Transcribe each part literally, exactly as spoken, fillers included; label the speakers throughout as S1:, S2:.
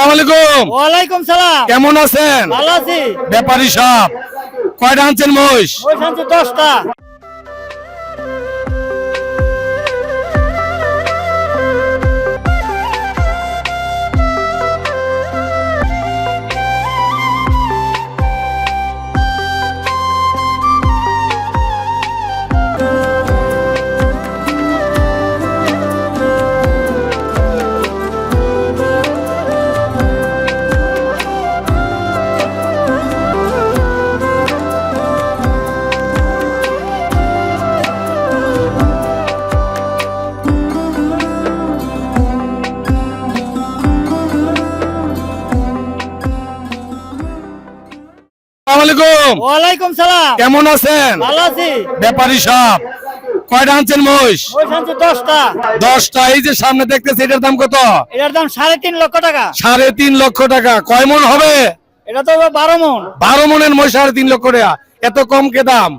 S1: আলাইকুম।
S2: ওয়ালাইকুম সালাম।
S1: কেমন আছেন?
S2: ভালো আছি।
S1: ব্যাপারী সাহেব কয়টা আনছেন মহিষ?
S2: মহিষ আনছি দশটা।
S1: আলাইকুম।
S2: ওয়ালাইকুম সালাম।
S1: কেমন আছেন?
S2: ভালো আছি।
S1: ব্যাপারী সাহেব কয়টা আনছেন মহিষ?
S2: মহিষ আনছি দশটা।
S1: দশটা। এই যে সামনে দেখতেছি এটার দাম কত?
S2: এটার দাম সাড়ে তিন লক্ষ টাকা।
S1: সাড়ে তিন লক্ষ টাকা। কয় মন হবে?
S2: এটা তো বারো মন।
S1: বারো মনের মহিষ সাড়ে তিন লক্ষ টাকা, এত কম কে দাম?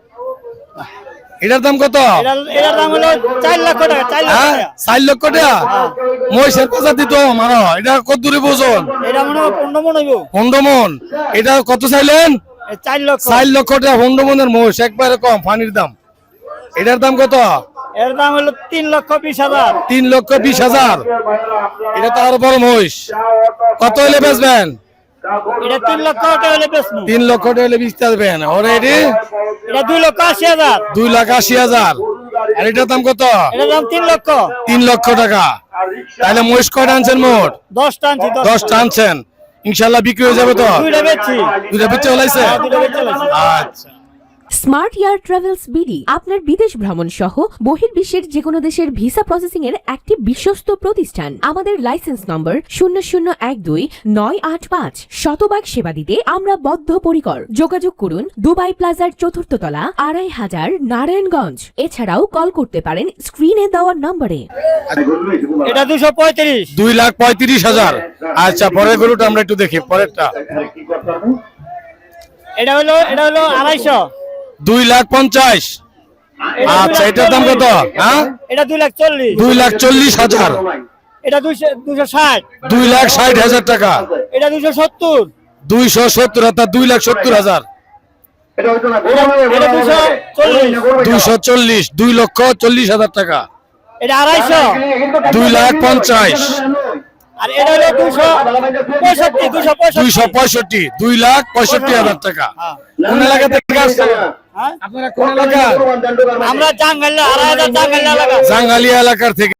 S1: এটার দাম কত?
S2: এটার- এটার দাম হলো চার লক্ষ টাকা। চার লক্ষ
S1: হ্যাঁ,
S2: টাকা।
S1: চার লক্ষ টাকা। মহিষের প্রজাতি তো মানো, এটা কত দূরে বোঝন?
S2: এটা মনে হয় পনেরো মন হইব।
S1: পনেরো মন। এটা কত চাইলেন?
S2: এ চার লক্ষ।
S1: চার লক্ষ টাকা পনেরো মনের মহিষ, একবারে কম পানির দাম। এটার দাম কত?
S2: এর দাম হলো তিন লক্ষ বিশ হাজার।
S1: তিন লক্ষ বিশ হাজার। এটা তো আরো বড় মহিষ। কত হলে বেচবেন?
S2: এটা তিন লক্ষ টাকা হলে বেচবো।
S1: তিন লক্ষ টাকা হলে বেচতে আসবেন। অলরেডি
S2: এটা দুই লক্ষ আশি হাজার।
S1: দুই লাখ আশি হাজার। আর এটার দাম কত?
S2: এটার দাম তিন লক্ষ।
S1: তিন লক্ষ টাকা। তাহলে মহিষ কয়টা আনছেন মোট?
S2: দশটা আনছি।
S1: দশটা আনছেন, ইনশাল্লাহ বিক্রি হয়ে যাবে তো?
S2: দুইটা বেচছি।
S1: দুইটা বেচে হলাইছে?
S2: হ্যাঁ, দুইটা বেচে ফেলেছি।
S1: আচ্ছা।
S3: স্মার্ট এয়ার ট্রাভেলস বিডি আপনার বিদেশ ভ্রমণ সহ বহির্বিশ্বের যে কোনো দেশের ভিসা প্রসেসিং এর একটি বিশ্বস্ত প্রতিষ্ঠান। আমাদের লাইসেন্স নম্বর শূন্য শূন্য এক দুই নয় আট পাঁচ। শতভাগ সেবা দিতে আমরা বদ্ধপরিকর। যোগাযোগ করুন দুবাই প্লাজার চতুর্থ তলা, আড়াই হাজার, নারায়ণগঞ্জ। এছাড়াও কল করতে পারেন স্ক্রিনে দেওয়া নম্বরে।
S2: এটা দুশো পঁয়ত্রিশ।
S1: দুই লাখ পঁয়ত্রিশ হাজার। আচ্ছা, পরের গরুটা আমরা একটু দেখি, পরেরটা।
S2: এটা হলো এটা হলো আড়াইশো।
S1: দুই লাখ পঞ্চাশ। আচ্ছা, এটার দাম কত? হ্যাঁ,
S2: এটা দুই লাখ চল্লিশ।
S1: দুই লাখ চল্লিশ হাজার।
S2: এটা দুইশো দুশো ষাট।
S1: দুই লাখ ষাট হাজার টাকা।
S2: এটা দুইশো সত্তর।
S1: দুইশো সত্তর হাজার। দুই লাখ সত্তর হাজার।
S2: এটা দুইশো চল্লিশ।
S1: দুইশো চল্লিশ। দুই লক্ষ চল্লিশ হাজার টাকা।
S2: এটা আড়াইশো।
S1: দুই লাখ পঞ্চাশ।
S2: আর এটা হলো দুইশো পঁয়ষট্টি। দুইশো
S1: দুইশো
S2: পঁয়ষট্টি।
S1: পঁয়ষট্টি। দুই লাখ পঁয়ষট্টি হাজার টাকা।
S2: হ্যাঁ।
S1: কোন এলাকা থেকে আসছেন
S2: হ্যাঁ?
S1: আপনারা? কোন এলাকা?
S2: আমরা জাঙ্গাল্লা আড়াই হাজার জাঙ্গাল্লা লাগা।
S1: জাঙ্গালিয়া এলাকার থেকে।